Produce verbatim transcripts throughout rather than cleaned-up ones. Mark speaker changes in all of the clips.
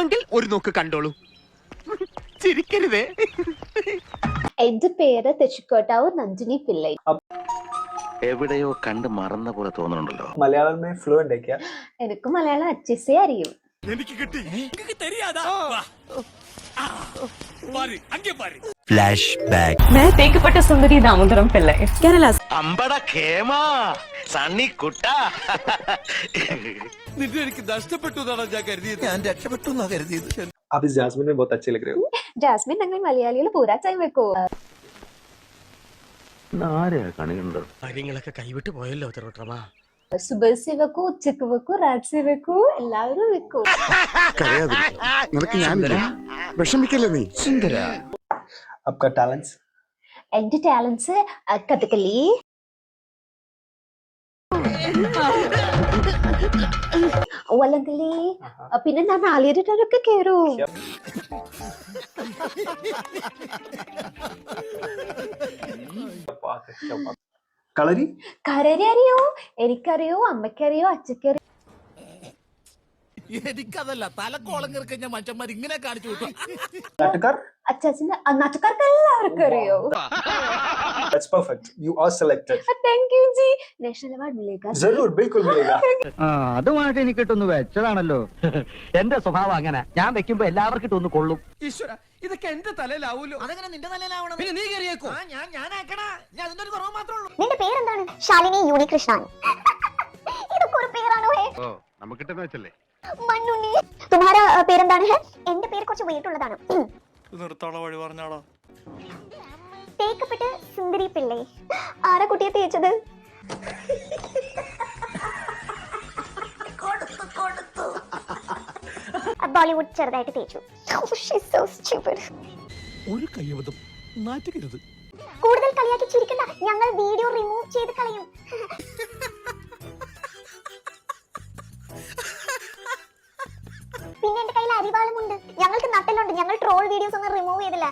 Speaker 1: വേണമെങ്കിൽ ഒരു നോക്ക് കണ്ടോളൂ. ചിരിക്കരുതേ.
Speaker 2: എന്റെ പേര് തെച്ചിക്കോട്ടാവൂർ നന്ദിനി പിള്ളை.
Speaker 3: എവിടെയോ കണ്ട് മറന്ന പോലെ തോന്നുന്നുണ്ടല്ലോ.
Speaker 4: മലയാളം में फ्लुएंट है क्या?
Speaker 2: എനിക്ക് മലയാളം അച്ഛസേ അറിയും.
Speaker 1: എനിക്ക് കിട്ടി. എനിക്ക് தெரியாதா? പാരി അങ്ങേ പാരി.
Speaker 3: Flash back.
Speaker 5: मैं തേക്കപ്പെട്ട സുന്ദരി ദാമോദരം പിള്ളை. കേരള.
Speaker 3: അമ്പട കേമാ സണ്ണി കുട്ട.
Speaker 1: നിന്നെ എനിക്ക് നഷ്ടപ്പെട്ടു എന്നാണ് ഞാൻ കരുതിയത്. ഞാൻ രക്ഷപ്പെട്ടു എന്നാ കരുതിയത്.
Speaker 4: आप इस जैस्मिन में बहुत अच्छे लग रहे हो.
Speaker 2: ജാസ്മിൻ ഞങ്ങൾ മലയാളികൾ പൂരാ ചായ വെക്കോ.
Speaker 3: ആരെയാ കണിയുണ്ടോ?
Speaker 1: കാര്യങ്ങളൊക്കെ കൈവിട്ട് പോയല്ലോ തിരുവട്ടമാ.
Speaker 2: സുബൽസി വെക്കൂ, ഉച്ചക്ക് വെക്കൂ, രാത്രി വെക്കൂ, എല്ലാവരും വെക്കൂ.
Speaker 6: നിനക്ക് ഞാനില്ല, വിഷമിക്കല്ലേ നീ. സുന്ദര.
Speaker 4: आपका टैलेंट्स?
Speaker 2: എന്റെ ടാലൻസ് കഥകളി, വല്ലങ്കലി, പിന്നെ ഞാൻ നാളികേരട്ടൊക്കെ കേറൂ.
Speaker 4: കളരി?
Speaker 2: കരരി അറിയോ? എനിക്കറിയോ, അമ്മയ്ക്കറിയോ, അച്ഛക്കറിയോ.
Speaker 1: എനിക്കതല്ല തലക്കോളം കിറക്ക ഞാൻ മനുഷ്യന്മാർ ഇങ്ങനെ കാണിച്ചു വിട്ടു.
Speaker 4: नाटककार?
Speaker 2: അച്ഛാച്ചിന്റെ നാട്ടുകാർക്ക് എല്ലാവർക്കും അറിയോ.
Speaker 4: That's perfect. You are selected.
Speaker 2: Thank you ജി. നാഷണൽ അവാർഡ് മിലേഗാ.
Speaker 4: जरूर बिल्कुल मिलेगा.
Speaker 7: അതുമായിട്ട് എനിക്ക് ഇട്ടൊന്ന് വെച്ചതാണല്ലോ. എന്റെ സ്വഭാവം അങ്ങനെ, ഞാൻ വെക്കുമ്പോ എല്ലാവർക്കും ഇട്ടൊന്ന് കൊള്ളും.
Speaker 1: ഈശ്വര, ഇതൊക്കെ എന്റെ തലയിലാവൂലോ. അതെങ്ങനെ നിന്റെ തലയിലാവണം? പിന്നെ നീ കയറിയേക്കോ. ഞാൻ ഞാനാക്കണ. ഞാൻ അതിന്റെ ഒരു കുറവ് മാത്രമേ ഉള്ളൂ.
Speaker 8: നിന്റെ പേരെന്താണ്? ശാലിനി യൂണികൃഷ്ണൻ. ഇതൊക്കെ ഒരു പേരാണോ? ഹേ
Speaker 6: ഓ നമുക്കിട്ടെന്ന് വെച്ചല്ലേ.
Speaker 8: മണ്ണുണ്ണി. തുമ്ഹാര പേരെന്താണ്? ഹേ എന്റെ പേര് കുറച്ച് വെയിറ്റ് ഉള്ളതാണ്.
Speaker 1: നിർത്താള വഴി പറഞ്ഞാളോ.
Speaker 8: തേക്കപ്പെട്ട് സുന്ദരി പിള്ളை. ആരാ കുട്ടിയെ തേച്ചത്? ബോളിവുഡ് ചെറുതായിട്ട് തേച്ചു.
Speaker 1: ഒരു കയ്യബദ്ധം നാറ്റുകരുത്.
Speaker 8: കൂടുതൽ കളിയാക്കി ചിരിക്കണ്ട, ഞങ്ങൾ വീഡിയോ റിമൂവ് ചെയ്ത് കളയും. പിന്നെ എന്റെ കയ്യിൽ അരിവാളുമുണ്ട്. ഞങ്ങൾക്ക് നട്ടലുണ്ട്. ഞങ്ങൾ ട്രോൾ വീഡിയോസ് ഒന്നും റിമൂവ് ചെയ്തില്ല.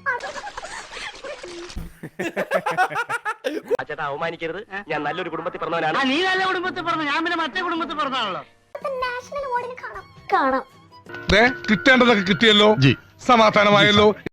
Speaker 7: ചേട്ടാ അവമാനിക്കരുത്, ഞാൻ നല്ലൊരു കുടുംബത്തിൽ പറഞ്ഞവനാണ്. നീ നല്ല കുടുംബത്തിൽ പറഞ്ഞു, ഞാൻ പിന്നെ മറ്റേ കുടുംബത്തിൽ പറഞ്ഞാണല്ലോ.
Speaker 8: നാഷണൽ അവാർഡിന് കാണാം കാണാം
Speaker 9: കിട്ടേണ്ടതൊക്കെ കിട്ടിയല്ലോ, സമാധാനമായല്ലോ.